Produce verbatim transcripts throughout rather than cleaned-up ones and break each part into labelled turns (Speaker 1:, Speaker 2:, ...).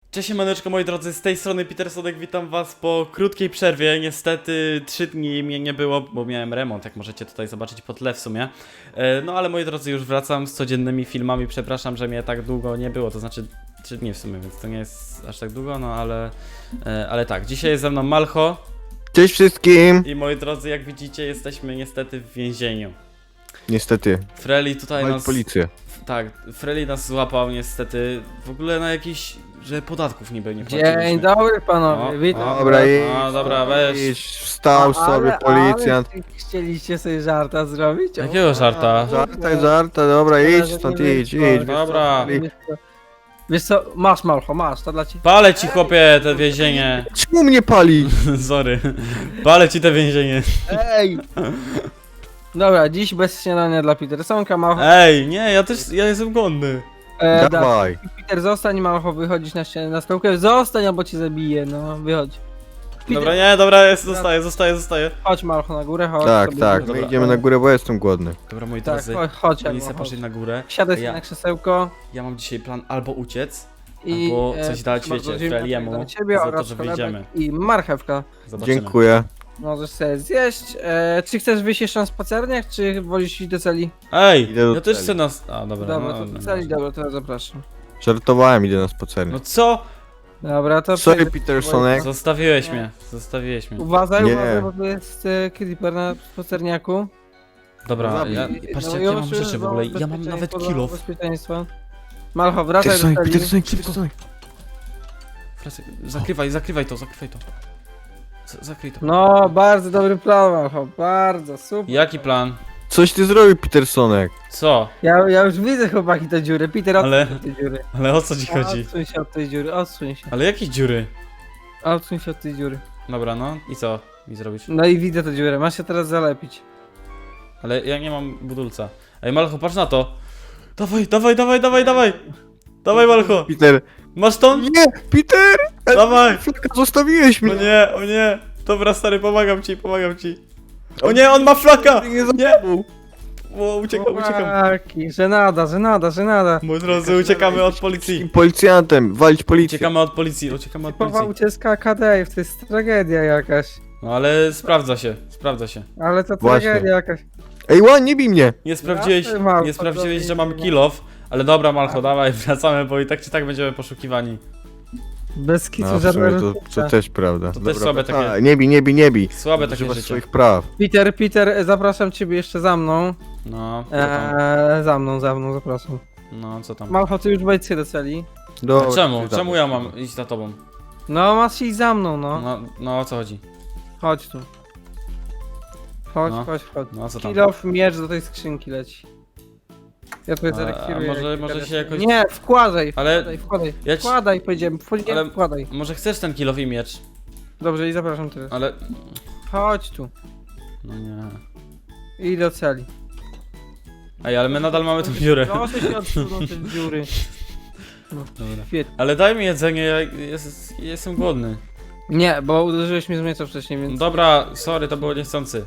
Speaker 1: Cześć maneczko moi drodzy, z tej strony Petersonek, witam was po krótkiej przerwie. Niestety trzy dni mnie nie było, bo miałem remont, jak możecie tutaj zobaczyć po tle w sumie. e, No ale moi drodzy, już wracam z codziennymi filmami, przepraszam, że mnie tak długo nie było, to znaczy trzy dni w sumie, więc to nie jest aż tak długo, no ale e, Ale tak, dzisiaj jest ze mną Malcho.
Speaker 2: Cześć wszystkim!
Speaker 1: I moi drodzy, jak widzicie, jesteśmy niestety w więzieniu.
Speaker 2: Niestety,
Speaker 1: Freli tutaj
Speaker 2: mamy
Speaker 1: nas...
Speaker 2: policję.
Speaker 1: Tak, Freli nas złapał niestety, w ogóle na jakiś, że podatków niby nie płaciliśmy.
Speaker 3: Dzień dobry panowie,
Speaker 1: O,
Speaker 3: witam.
Speaker 1: o,
Speaker 2: Dobra, idź,
Speaker 1: A, dobra, weź.
Speaker 2: idź, wstał sobie policjant.
Speaker 3: Ale chcieliście sobie żarta zrobić? O,
Speaker 1: Jakiego żarta?
Speaker 2: Żarta, żarta, dobra, idź stąd, idź, idź.
Speaker 1: Dobra.
Speaker 3: Wiesz co, wiesz co, masz Malcho, masz, to dla ciebie.
Speaker 1: Palę ci chłopie te więzienie.
Speaker 2: Czemu mnie pali?
Speaker 1: Sorry. Palę ci te więzienie.
Speaker 3: Ej! Dobra, dziś bez śniadania dla Petersonka, Malcho.
Speaker 1: Ej, nie, ja też, ja jestem głodny.
Speaker 3: E, da,
Speaker 2: Dawaj.
Speaker 3: Peter, zostań, Malcho, wychodzisz na ścianę, na stołkę. Zostań, albo cię zabiję, no, wychodź. Peter,
Speaker 1: Dobra, nie, dobra, jest, zostaję, zostaję, zostaję.
Speaker 3: chodź Malcho na górę, chodź.
Speaker 2: Tak,
Speaker 3: sobie
Speaker 2: tak,
Speaker 1: Dobra.
Speaker 2: my idziemy na górę, bo ja jestem głodny.
Speaker 1: Dobra, moi
Speaker 3: Tak,
Speaker 1: drodzy,
Speaker 3: chodź, chodź,
Speaker 1: policja
Speaker 3: Malcho,
Speaker 1: poszli
Speaker 3: chodź.
Speaker 1: na górę.
Speaker 3: Siadaj sobie
Speaker 1: Ja-
Speaker 3: na krzesełko.
Speaker 1: Ja mam dzisiaj plan albo uciec,
Speaker 3: I,
Speaker 1: albo
Speaker 3: e,
Speaker 1: coś dać,
Speaker 3: bardzo
Speaker 1: wiecie,
Speaker 3: dziękuję
Speaker 1: Freliemu
Speaker 3: dla ciebie
Speaker 1: za to,
Speaker 3: oraz
Speaker 1: że
Speaker 3: chlebek
Speaker 1: wyjdziemy.
Speaker 3: I marchewka.
Speaker 1: Zobaczymy.
Speaker 2: Dziękuję.
Speaker 3: Możesz sobie zjeść. E, czy chcesz wyjść jeszcze na spacerniach, czy wolisz iść do celi?
Speaker 1: Ej,
Speaker 2: Idę do
Speaker 1: ja też
Speaker 2: celi.
Speaker 1: chcę nas... A, dobra,
Speaker 3: Dobra,
Speaker 1: no,
Speaker 3: to
Speaker 1: no,
Speaker 3: do celi,
Speaker 1: no.
Speaker 3: dobra, to ja zapraszam.
Speaker 2: Żartowałem, idę na spacernie.
Speaker 1: No co?
Speaker 3: Dobra, to...
Speaker 2: Sorry,
Speaker 3: przejdę-
Speaker 2: Petersonek.
Speaker 1: Zostawiłeś mnie, zostawiłeś mnie.
Speaker 3: Uważaj,
Speaker 2: Nie.
Speaker 3: uważaj, bo tu jest e, creeper na spacerniaku.
Speaker 1: Dobra,
Speaker 2: Zabij.
Speaker 1: ja,
Speaker 3: I-
Speaker 1: patrzcie
Speaker 3: no
Speaker 1: jak
Speaker 3: i
Speaker 1: ja mam
Speaker 3: już
Speaker 1: rzeczy w
Speaker 3: za
Speaker 1: ogóle, ja mam nawet
Speaker 3: bezpieczeństwo,
Speaker 1: kilof.
Speaker 3: za bezpieczeństwo. Malcho, wracaj do
Speaker 2: Petersonek,
Speaker 3: celi.
Speaker 2: Petersonek, Petersonek.
Speaker 1: Wracaj, Zakrywaj, zakrywaj to, zakrywaj to. Z- Zakryj to.
Speaker 3: No, bardzo dobry plan, Malcho, bardzo, super.
Speaker 1: Jaki plan?
Speaker 2: Coś ty zrobił, Petersonek.
Speaker 1: Co?
Speaker 3: Ja, ja już widzę, chłopaki, te dziury. Peter, odsuń
Speaker 1: Ale-
Speaker 3: się od tej dziury.
Speaker 1: Ale o co ci chodzi?
Speaker 3: Odsuń się od tej dziury, odsuń się.
Speaker 1: Ale jakie dziury?
Speaker 3: Odsuń się od tej dziury.
Speaker 1: Dobra, no i co mi zrobisz?
Speaker 3: No i widzę tę dziurę, masz się teraz zalepić.
Speaker 1: Ale ja nie mam budulca. Ej, Malcho, patrz na to. Dawaj, dawaj, dawaj, dawaj, dawaj. Dawaj, Malcho.
Speaker 2: Peter.
Speaker 1: Masz to?
Speaker 2: Nie, Peter!
Speaker 1: Dawaj.
Speaker 2: Flaka, zostawiłeś
Speaker 1: O
Speaker 2: mnie.
Speaker 1: nie, o nie. Dobra, stary, pomagam ci, pomagam ci. O nie, on ma flaka.
Speaker 2: Nie,
Speaker 1: Nie. O, uciekam, uciekam.
Speaker 3: Chłopaki, żenada, żenada, żenada.
Speaker 1: Moi drodzy, uciekamy od policji.
Speaker 2: Policjantem, walić policję.
Speaker 1: Uciekamy od policji, uciekamy od
Speaker 3: Typowa
Speaker 1: policji.
Speaker 3: ucieczka K D, to jest tragedia jakaś.
Speaker 1: No ale sprawdza się, sprawdza się.
Speaker 3: Ale to
Speaker 2: Właśnie.
Speaker 3: tragedia jakaś.
Speaker 2: Ej, ła, nie bij mnie.
Speaker 1: Nie sprawdziłeś,
Speaker 3: Jasne, Malcho,
Speaker 1: nie sprawdziłeś,
Speaker 3: to
Speaker 1: że mam
Speaker 3: nie-
Speaker 1: kilof. Ale dobra, Malcho, dawaj, wracamy, bo i tak czy tak będziemy poszukiwani.
Speaker 3: Bez kitu
Speaker 2: No, w
Speaker 3: żadna
Speaker 2: sumie to,
Speaker 3: różnica.
Speaker 2: to też prawda.
Speaker 1: To też słabe takie-
Speaker 2: A, nie bij, nie bij, nie bij.
Speaker 1: Słabe takie
Speaker 2: Używasz
Speaker 1: życie.
Speaker 2: swoich praw.
Speaker 3: Peter, Peter, zapraszam ciebie jeszcze za mną.
Speaker 1: No, co tam?
Speaker 3: Eee, za mną, za mną, zapraszam.
Speaker 1: No, co tam?
Speaker 3: Malcho, ty już wejdź się do celi.
Speaker 2: Dobra,
Speaker 1: A czemu?
Speaker 2: ty
Speaker 1: Czemu
Speaker 2: dawaj.
Speaker 1: ja mam iść za tobą?
Speaker 3: No, masz iść za mną, no.
Speaker 1: No, no o co chodzi?
Speaker 3: Chodź tu. Chodź,
Speaker 1: No.
Speaker 3: chodź, chodź.
Speaker 1: No, co tam?
Speaker 3: Kilof, miecz do tej skrzynki leci. Ja tutaj
Speaker 1: A-
Speaker 3: zarekwiruję.
Speaker 1: a może-
Speaker 3: jak
Speaker 1: może
Speaker 3: Peter
Speaker 1: się
Speaker 3: jest.
Speaker 1: jakoś-
Speaker 3: Nie, wkładaj,
Speaker 1: Ale
Speaker 3: wkładaj, wkładaj.
Speaker 1: ja ci-
Speaker 3: Wkładaj, powiedziałem, wkładaj,
Speaker 1: Ale-
Speaker 3: wkładaj.
Speaker 1: może chcesz ten kilof i miecz?
Speaker 3: Dobrze, i zapraszam teraz.
Speaker 1: Ale...
Speaker 3: Chodź tu.
Speaker 1: No nie...
Speaker 3: I do celi.
Speaker 1: Ej, ale my nadal mamy tą dziurę.
Speaker 3: Proszę się odsunąć te dziury. No,
Speaker 1: Dobra.
Speaker 3: świetnie.
Speaker 1: Ale daj mi jedzenie, ja jest, jestem głodny.
Speaker 3: Nie, bo uderzyłeś mnie z miecza wcześniej, więc...
Speaker 1: Dobra, sorry, to było niechcący.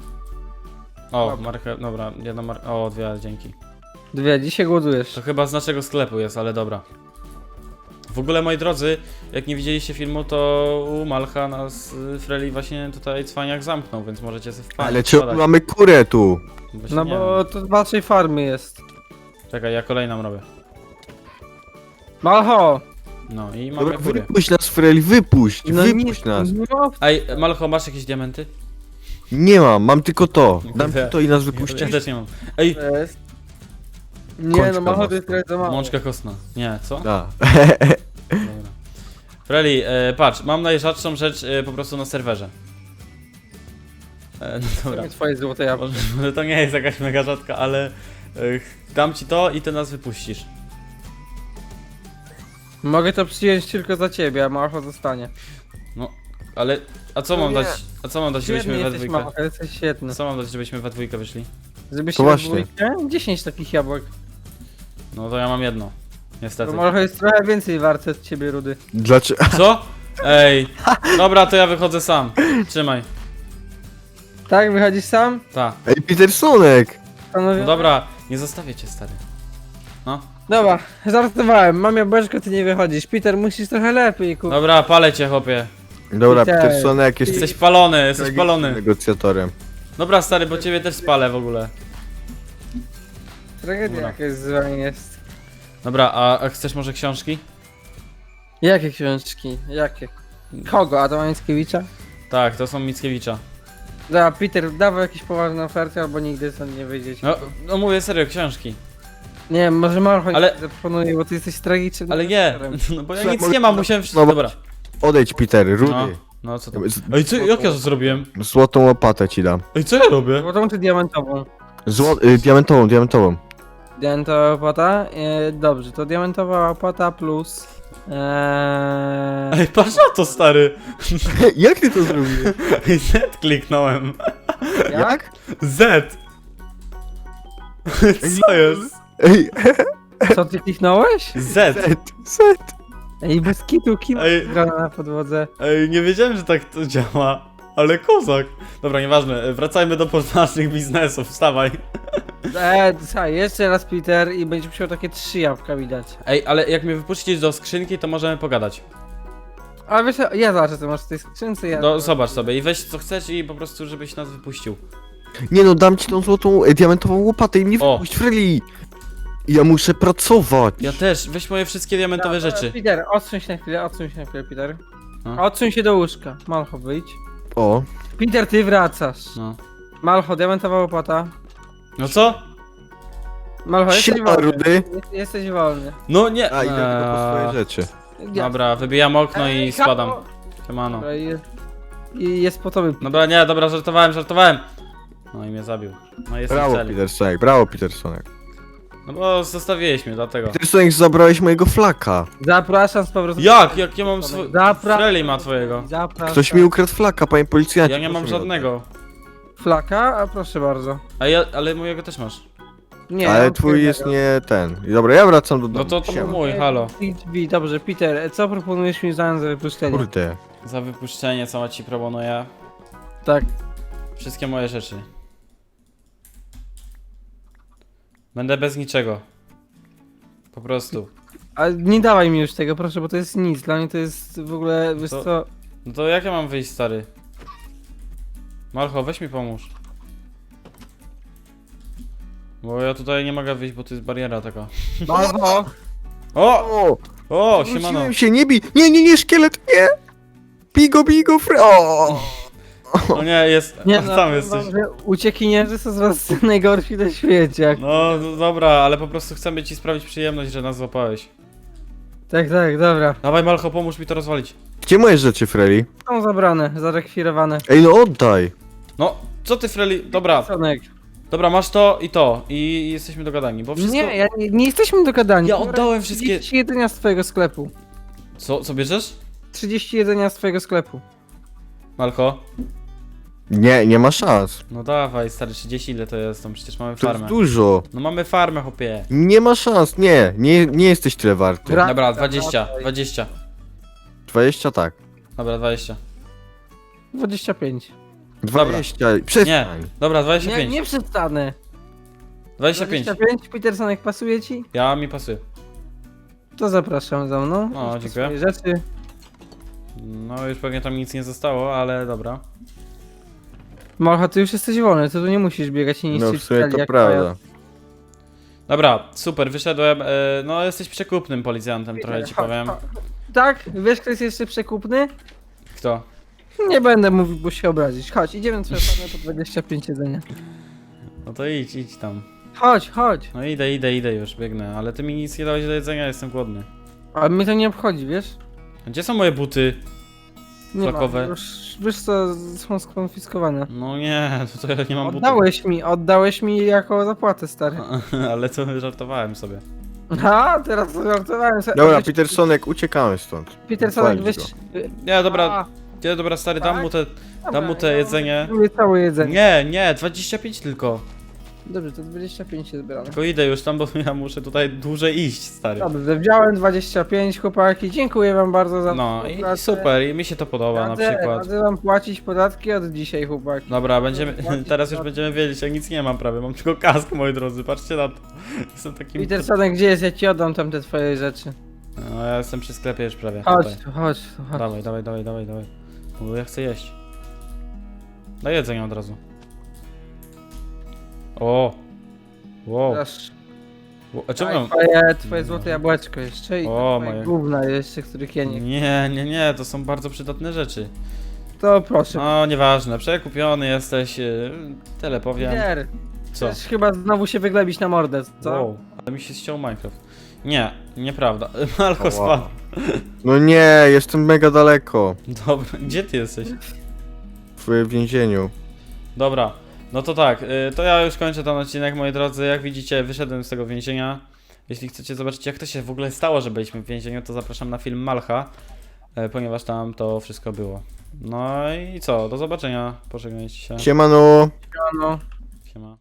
Speaker 1: O,
Speaker 3: Dobra.
Speaker 1: markę, dobra, jedna mar... O, dwie, dzięki.
Speaker 3: Dwie, dzisiaj głodujesz.
Speaker 1: To chyba z naszego sklepu jest, ale dobra. W ogóle, moi drodzy, jak nie widzieliście filmu, to u Malcha nas y, Freli właśnie tutaj cwaniak zamknął, więc możecie sobie wpaść.
Speaker 2: Ale czemu mamy kurę tu?
Speaker 1: Właśnie
Speaker 3: No
Speaker 1: nie
Speaker 3: bo to z waszej farmy jest.
Speaker 1: wiem. Czekaj, ja kolejną robię.
Speaker 3: Malcho!
Speaker 1: No i mamy
Speaker 2: Dobra,
Speaker 1: kury.
Speaker 2: wypuść nas, Freli, wypuść,
Speaker 3: No
Speaker 2: wypuść
Speaker 3: nie,
Speaker 2: nas.
Speaker 3: No,
Speaker 1: Ej, Malcho, masz jakieś diamenty?
Speaker 2: Nie mam, mam tylko to. Dam
Speaker 1: Kurde.
Speaker 2: ci to i nas
Speaker 1: Ja,
Speaker 2: wypuścisz?
Speaker 1: ja też nie mam. Ej,
Speaker 3: to jest. Nie
Speaker 2: Kończka
Speaker 3: no, Malcho to
Speaker 2: mocna.
Speaker 3: jest trochę za mało.
Speaker 1: mączka kostna. Nie, co?
Speaker 2: Da.
Speaker 1: Dobra. Freli, e, patrz, mam najrzadszą rzecz e, po prostu na serwerze. E, no dobra.
Speaker 3: Twoje złote jabłko.
Speaker 1: Może, może to nie jest jakaś mega rzadka, ale e, dam ci to i ty nas wypuścisz.
Speaker 3: Mogę to przyjąć tylko za ciebie, a Malcho zostanie.
Speaker 1: No, ale a co
Speaker 3: No
Speaker 1: mam
Speaker 3: nie.
Speaker 1: dać? A co mam dać,
Speaker 3: Świetny
Speaker 1: żebyśmy we
Speaker 3: jesteś,
Speaker 1: dwójkę?
Speaker 3: Malcho, jesteś świetny.
Speaker 1: Co mam dać, żebyśmy we dwójkę wyszli?
Speaker 3: Żebyś
Speaker 2: To
Speaker 3: się
Speaker 2: właśnie.
Speaker 3: dwójkę? dziesięć takich jabłek.
Speaker 1: No to ja mam jedno.
Speaker 3: To
Speaker 1: Niestety.
Speaker 3: Malcho jest trochę więcej warte od ciebie, Rudy.
Speaker 2: Dlaczego?
Speaker 1: Co? Ej, dobra, to ja wychodzę sam. Trzymaj.
Speaker 3: Tak, wychodzisz sam?
Speaker 1: Ta.
Speaker 2: Ej, Petersonek!
Speaker 3: Panowie?
Speaker 1: No dobra, nie zostawię cię, stary. No.
Speaker 3: Dobra, żartowałem, mam jabłeczko, ty nie wychodzisz. Peter, musisz trochę lepiej, kurwa.
Speaker 1: Dobra, palę cię, chłopie.
Speaker 2: Dobra,
Speaker 3: Peter.
Speaker 2: Petersonek jest
Speaker 1: Jesteś palony, jesteś palony.
Speaker 2: negocjatorem.
Speaker 1: Dobra, stary, bo ciebie też spalę w ogóle.
Speaker 3: Tragedia
Speaker 1: Dobra.
Speaker 3: jakaś z wami jest.
Speaker 1: Dobra, a, a chcesz może książki?
Speaker 3: Jakie książki? Jakie? Kogo? Adama Mickiewicza?
Speaker 1: Tak, to są Mickiewicza.
Speaker 3: Dobra, Peter, dawaj jakieś poważne oferty, albo nigdy stąd nie wyjdziecie.
Speaker 1: No, no mówię serio, książki.
Speaker 3: Nie wiem, może Malcho
Speaker 1: Ale-
Speaker 3: ale... zaproponuje, bo ty jesteś tragicznym.
Speaker 1: Ale nie,
Speaker 3: aktorem.
Speaker 1: no bo ja
Speaker 2: Słuchaj,
Speaker 1: nic
Speaker 2: może-
Speaker 1: nie mam, musiałem wszystko...
Speaker 2: no bo-
Speaker 1: Dobra.
Speaker 2: Odejdź, Peter,
Speaker 1: No,
Speaker 2: rudy.
Speaker 1: no co tam?
Speaker 2: Z-
Speaker 1: Ej, co, jak ja to zrobiłem?
Speaker 2: Złotą łopatę ci dam.
Speaker 1: Ej, co ja robię?
Speaker 3: Złotą czy diamentową?
Speaker 2: Zło... Y, diamentową, diamentową.
Speaker 3: Diamentowa opłata? E, dobrze, to diamentowa opłata plus... Eee...
Speaker 1: Ej, patrz na to, stary.
Speaker 2: Jak ty to zrobiłeś?
Speaker 1: Ej, Z kliknąłem.
Speaker 3: Jak?
Speaker 1: Z. Co jest?
Speaker 2: Ej,
Speaker 3: Co ty kliknąłeś?
Speaker 1: Z.
Speaker 2: set, set.
Speaker 3: Ej, bez kitu, kim
Speaker 1: Ej.
Speaker 3: gra na podłodze?
Speaker 1: Ej, nie wiedziałem, że tak to działa. Ale kozak. Dobra, nieważne. Wracajmy do poważnych biznesów. Wstawaj.
Speaker 3: Eee, słuchaj, jeszcze raz Peter i będzie musiał takie trzy jabłka widać.
Speaker 1: Ej, ale jak mnie wypuścisz do skrzynki, to możemy pogadać.
Speaker 3: Ale wiesz, co, ja zobaczę co masz w tej skrzynce, ja...
Speaker 1: No, zobacz sobie i weź co chcesz i po prostu, żebyś nas wypuścił.
Speaker 2: Nie no, dam ci tą złotą, y, diamentową łopatę i mnie
Speaker 1: O.
Speaker 2: wypuść, Freddy. Ja muszę pracować.
Speaker 1: Ja też. Weź moje wszystkie diamentowe
Speaker 3: Dobra,
Speaker 1: rzeczy.
Speaker 3: Peter, odsuń się na chwilę, odsuń się na chwilę, Peter.
Speaker 1: No.
Speaker 3: Odsuń się do łóżka. Malcho, wyjdź.
Speaker 2: O,
Speaker 3: Peter, ty wracasz.
Speaker 1: No.
Speaker 3: Malcho, diamentowa łopata.
Speaker 1: No co?
Speaker 3: Malcho, jesteś
Speaker 2: siema,
Speaker 3: wolny.
Speaker 2: rudy.
Speaker 3: Jest- Jesteś wolny.
Speaker 1: No nie.
Speaker 2: A, idę tylko po swoje
Speaker 1: Eee,
Speaker 2: rzeczy.
Speaker 1: Dobra, wybijam okno i
Speaker 3: Ej,
Speaker 1: spadam.
Speaker 3: halo.
Speaker 1: Siemano.
Speaker 3: Dobra, i jest, i jest po tobie.
Speaker 1: Dobra, nie, dobra, żartowałem, żartowałem. No i mnie zabił. No jestem w
Speaker 2: Brawo,
Speaker 1: celi.
Speaker 2: Petersonek, brawo, Petersonek.
Speaker 1: No bo zostawiłeś mnie, dlatego.
Speaker 2: Petersonek, zabrałeś mojego flaka.
Speaker 3: Zapraszam z powrotem.
Speaker 1: Jak? Jak ja mam swój...
Speaker 3: Zapra...
Speaker 1: Freli ma twojego.
Speaker 3: Zapraszam.
Speaker 2: Ktoś mi ukradł flaka, panie policjancie.
Speaker 1: Ja nie mam
Speaker 2: proszę mi
Speaker 1: żadnego.
Speaker 3: Flaka? A proszę bardzo.
Speaker 1: A ja, ale mojego też masz.
Speaker 3: Nie,
Speaker 2: oddać.
Speaker 3: ja
Speaker 2: Ale
Speaker 3: mam
Speaker 2: twój jest
Speaker 3: jednego.
Speaker 2: nie ten. Dobra, ja wracam do domu.
Speaker 1: No to to
Speaker 2: Siema.
Speaker 1: mój, halo.
Speaker 3: Drzwi, dobrze, Peter, co proponujesz mi w zamian za wypuszczenie?
Speaker 2: Kurde.
Speaker 1: Za wypuszczenie, co ma ci proponuję.
Speaker 3: Tak.
Speaker 1: Wszystkie moje rzeczy. Będę bez niczego. Po prostu.
Speaker 3: A nie dawaj mi już tego, proszę, bo to jest nic. Dla mnie to jest w ogóle, wiesz
Speaker 1: To-
Speaker 3: co...
Speaker 1: No to jak ja mam wyjść, stary? Malcho, weź mi pomóż. Bo ja tutaj nie mogę wyjść, bo to jest bariera taka.
Speaker 3: Malcho!
Speaker 1: O!
Speaker 2: O!
Speaker 1: O, siemano.
Speaker 2: Wróciłem się, nie bij! Nie, nie, nie, szkielet, nie! Bigo, bigo, fre... O!
Speaker 1: O nie, jest.
Speaker 3: Nie,
Speaker 1: o,
Speaker 3: no,
Speaker 1: tam jesteś.
Speaker 3: że uciekinierzy są z was najgorsi na świecie.
Speaker 1: No, no dobra, ale po prostu chcemy ci sprawić przyjemność, że nas złapałeś.
Speaker 3: Tak, tak, dobra.
Speaker 1: Dawaj, Malcho, pomóż mi to rozwalić.
Speaker 2: Gdzie moje rzeczy, Freddy?
Speaker 3: Są zabrane, zarekwirowane.
Speaker 2: Ej, no oddaj!
Speaker 1: No, co ty, Freli? Dobra,
Speaker 3: Sonek.
Speaker 1: dobra, masz to i to. I, i jesteśmy dogadani, bo wszystko...
Speaker 3: Nie, ja, nie, nie jesteśmy dogadani.
Speaker 1: Ja oddałem wszystkie-
Speaker 3: trzydzieści jedzenia z twojego sklepu.
Speaker 1: Co, co bierzesz?
Speaker 3: trzydzieści jedzenia z twojego sklepu.
Speaker 1: Malcho?
Speaker 2: Nie, nie ma szans.
Speaker 1: No dawaj, stary, trzydzieści ile to jest? Tam przecież mamy
Speaker 2: To jest
Speaker 1: farmę.
Speaker 2: dużo.
Speaker 1: No mamy farmę, chłopie.
Speaker 2: Nie ma szans, nie. Nie, nie jesteś tyle warty.
Speaker 3: Gra-
Speaker 1: Dobra,
Speaker 3: Wracaj,
Speaker 1: dwadzieścia,
Speaker 3: wracaj.
Speaker 1: dwadzieścia.
Speaker 2: dwadzieścia tak.
Speaker 1: Dobra, dwadzieścia.
Speaker 3: dwadzieścia pięć.
Speaker 2: dwadzieścia. Przestań.
Speaker 1: Dobra, dwadzieścia
Speaker 3: Nie,
Speaker 1: pięć.
Speaker 3: nie przestanę.
Speaker 1: dwadzieścia pięć.
Speaker 3: dwadzieścia pięć, Petersonek, pasuje ci?
Speaker 1: Ja mi pasuje.
Speaker 3: To zapraszam za mną.
Speaker 1: O,
Speaker 3: Weź
Speaker 1: dziękuję.
Speaker 3: swoje rzeczy.
Speaker 1: No już pewnie tam nic nie zostało, ale dobra.
Speaker 3: Malcha, ty już jesteś wolny, ty tu nie musisz biegać i
Speaker 2: No
Speaker 3: niszczyć
Speaker 2: w sumie
Speaker 3: celi
Speaker 2: to
Speaker 3: jak
Speaker 2: prawda.
Speaker 1: Dobra, super, wyszedłem. E, no jesteś przekupnym policjantem,
Speaker 3: moja.
Speaker 1: trochę ci
Speaker 3: Chodź,
Speaker 1: powiem.
Speaker 3: chodź. Tak? Wiesz, kto jest jeszcze przekupny?
Speaker 1: Kto?
Speaker 3: Nie będę mówił, bo się obrazić. Chodź, idziemy na twoje farmę po dwadzieścia pięć jedzenia.
Speaker 1: No to idź, idź tam.
Speaker 3: Chodź, chodź.
Speaker 1: No idę, idę, idę już, biegnę. Ale ty mi nic nie dałeś do jedzenia, jestem głodny.
Speaker 3: Ale mnie to nie obchodzi, wiesz?
Speaker 1: A gdzie są moje buty?
Speaker 3: Nie
Speaker 1: Flakowe.
Speaker 3: ma. Już, wiesz co, są skonfiskowane.
Speaker 1: No nie, to, to ja nie mam butów.
Speaker 3: Oddałeś mi, oddałeś mi jako zapłatę, stary.
Speaker 1: Ale to żartowałem sobie.
Speaker 3: A, teraz to żartowałem sobie.
Speaker 2: Dobra,
Speaker 3: Weź-
Speaker 2: Petersonek, uciekamy stąd.
Speaker 3: Petersonek,
Speaker 2: Walić
Speaker 3: weź...
Speaker 1: Nie, dobra,
Speaker 3: A,
Speaker 1: nie, dobra, stary, dam
Speaker 3: tak?
Speaker 1: mu te,
Speaker 3: dobra,
Speaker 1: dam mu te
Speaker 3: ja
Speaker 1: jedzenie.
Speaker 3: lubię całe jedzenie.
Speaker 1: Nie, nie, dwadzieścia pięć tylko.
Speaker 3: Dobrze, to dwadzieścia pięć jest zbierane.
Speaker 1: Tylko idę już tam, bo ja muszę tutaj dłużej iść, stary.
Speaker 3: Dobrze, wziąłem dwadzieścia pięć, chłopaki. Dziękuję wam bardzo za
Speaker 1: No i
Speaker 3: współpracę.
Speaker 1: super, i mi się to podoba na
Speaker 3: Radzę,
Speaker 1: przykład.
Speaker 3: radzę wam płacić podatki od dzisiaj, chłopaki.
Speaker 1: Dobra, będziemy,
Speaker 3: Płacić
Speaker 1: teraz już
Speaker 3: podatki.
Speaker 1: będziemy wiedzieć, ja nic nie mam prawie, mam tylko kask, moi drodzy, patrzcie na to. Jestem takim...
Speaker 3: Petersonek, gdzie jest? Ja ci oddam tam te twoje rzeczy.
Speaker 1: No ja jestem przy sklepie już prawie.
Speaker 3: Chodź
Speaker 1: Tutaj.
Speaker 3: tu, chodź tu, chodź.
Speaker 1: Dawaj, dawaj, dawaj, dawaj, dawaj. Bo ja chcę jeść. Daj jedzenie od razu. O! Wow.
Speaker 3: Dasz.
Speaker 1: Wo- A czemu
Speaker 3: Daj
Speaker 1: mam...
Speaker 3: twoje, twoje złote jabłeczko jeszcze i
Speaker 1: O,
Speaker 3: twoje
Speaker 1: moje.
Speaker 3: gówna jeszcze, których ja nie...
Speaker 1: Nie, nie, nie, to są bardzo przydatne rzeczy.
Speaker 3: To proszę.
Speaker 1: No, nieważne, przekupiony jesteś, yy, tyle powiem.
Speaker 3: Peter,
Speaker 1: Co?
Speaker 3: chcesz chyba znowu się wyglebić na mordę, co?
Speaker 1: Wow, ale mi się ściął Minecraft. Nie, nieprawda. Malko
Speaker 2: Ała.
Speaker 1: spadł.
Speaker 2: No nie, jestem mega daleko.
Speaker 1: Dobra, gdzie ty jesteś?
Speaker 2: W więzieniu.
Speaker 1: Dobra, no to tak, y, to ja już kończę ten odcinek, moi drodzy. Jak widzicie, wyszedłem z tego więzienia. Jeśli chcecie zobaczyć, jak to się w ogóle stało, że byliśmy w więzieniu, to zapraszam na film Malcha, y, ponieważ tam to wszystko było. No i co, do zobaczenia, pożegnajcie się.
Speaker 2: Siemano.
Speaker 3: No.
Speaker 1: Siema.